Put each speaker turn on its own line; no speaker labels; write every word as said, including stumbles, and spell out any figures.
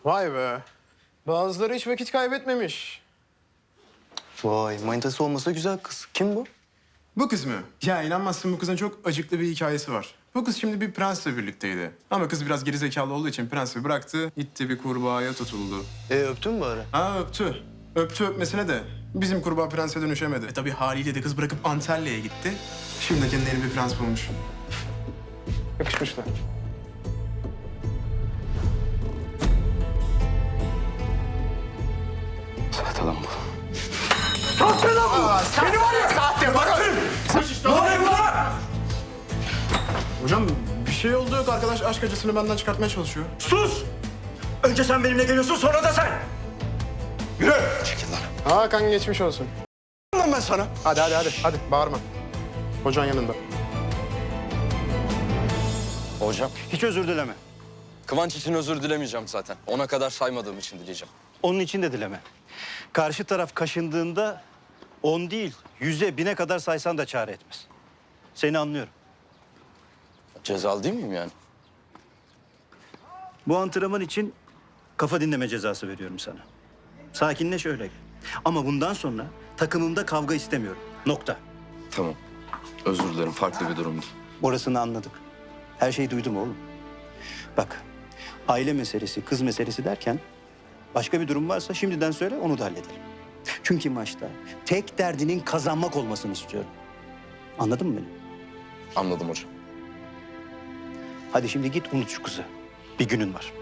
Vay be. Bazıları hiç vakit kaybetmemiş.
Vay, manitası olmasa güzel kız. Kim bu?
Bu kız mı? Ya inanmazsın, bu kızın çok acıklı bir hikayesi var. Bu kız şimdi bir prensle birlikteydi. Ama kız biraz gerizekalı olduğu için prensi bıraktı. Gitti bir kurbağaya tutuldu.
E öptün mü bari?
Ha öptü. Öptü öpmesine de bizim kurbağa prense dönüşemedi. E tabii haliyle de kız bırakıp Antalya'ya gitti. Şimdi de kendine yeni bir prens bulmuş. Yakışmışlar.
Sahte lan bu.
Sahte lan bu! Seni var ya! Sahte! Bakın!
Ne oluyor burada?
Hocam bir şey oldu yok. Arkadaş aşk acısını benden çıkartmaya çalışıyor.
Sus! Önce sen benimle geliyorsun, sonra da sen. Yürü!
Çekil lan.
Hakan geçmiş olsun.
Lan ben sana.
Hadi hadi hadi. Hadi bağırma. Hocan yanında.
Hocam,
Hiç özür dileme.
Kıvanç için özür dilemeyeceğim zaten. Ona kadar saymadığım için dileyeceğim.
Onun için de dileme. Karşı taraf kaşındığında on değil, yüze, bine kadar saysan da çare etmez. Seni anlıyorum.
Cezalı değil miyim yani?
Bu antrenman için kafa dinleme cezası veriyorum sana. Sakinleş, öyle gel. Ama bundan sonra takımımda kavga istemiyorum. Nokta.
Tamam. Özür dilerim, farklı bir durumdu.
Orasını anladık. Her şeyi duydum oğlum. Bak, aile meselesi, kız meselesi derken başka bir durum varsa şimdiden söyle, onu da halledelim. Çünkü maçta tek derdinin kazanmak olmasını istiyorum. Anladın mı beni?
Anladım hocam.
Hadi şimdi git unut şu kızı. Bir günün var.